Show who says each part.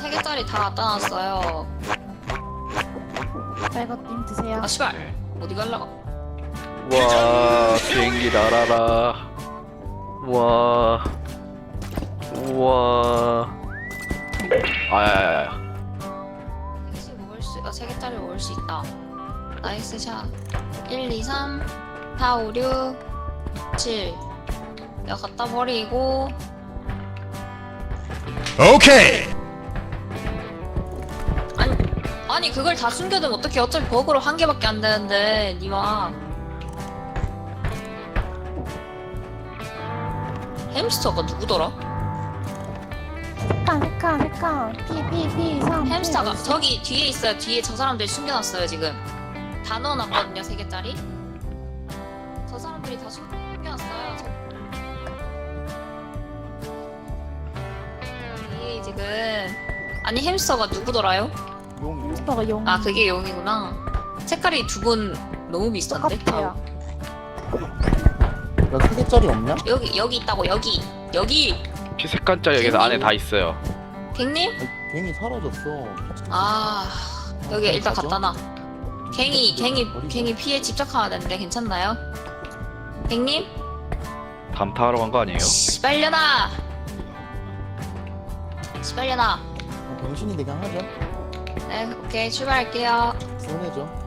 Speaker 1: 3개짜리 다 갖다 놨어요.
Speaker 2: 빨갛님 드세요.
Speaker 1: 아 씨발 어디 갈라고?
Speaker 3: 와 비행기 날아라. 와 우와 아야야야
Speaker 1: 3개짜리 먹을 수 있다. 나이스 샷. 1, 2, 3, 4, 5, 6, 7. 내가 갖다 버리고.
Speaker 4: 오케이.
Speaker 1: 아니 그걸 다 숨겨두면 어떡해. 어차피 버그로 한 개밖에 안 되는데 니마. 햄스터가 누구더라?
Speaker 2: 색깔. P 3.
Speaker 1: 햄스터가 저기 뒤에 있어요. 뒤에 저 사람들 숨겨놨어요 지금. 다 넣어놨거든요 3개짜리. 저 사람들이 다 숨겨놨어요. 뒤에 지금. 아니 햄스터가 누구더라요?
Speaker 2: 햄스터가 용.
Speaker 1: 아 그게 용이구나. 색깔이 두 분 너무 비슷한데?
Speaker 2: 똑같아요.
Speaker 5: 야, 3개짜리 없냐?
Speaker 1: 여기 있다고. 여기
Speaker 3: 피 색깔짜리 여기서 안에 다 있어요.
Speaker 1: 갱님?
Speaker 5: 갱이 사라졌어.
Speaker 1: 아 여기 일단
Speaker 5: 가죠?
Speaker 1: 갖다 놔. 갱이 피해 집착하면 되는데 괜찮나요? 갱님?
Speaker 3: 담타하러 간 거 아니에요?
Speaker 1: 시발려나
Speaker 5: 병신이 되게 하자.
Speaker 1: 네 오케이 출발할게요.
Speaker 5: 손해죠.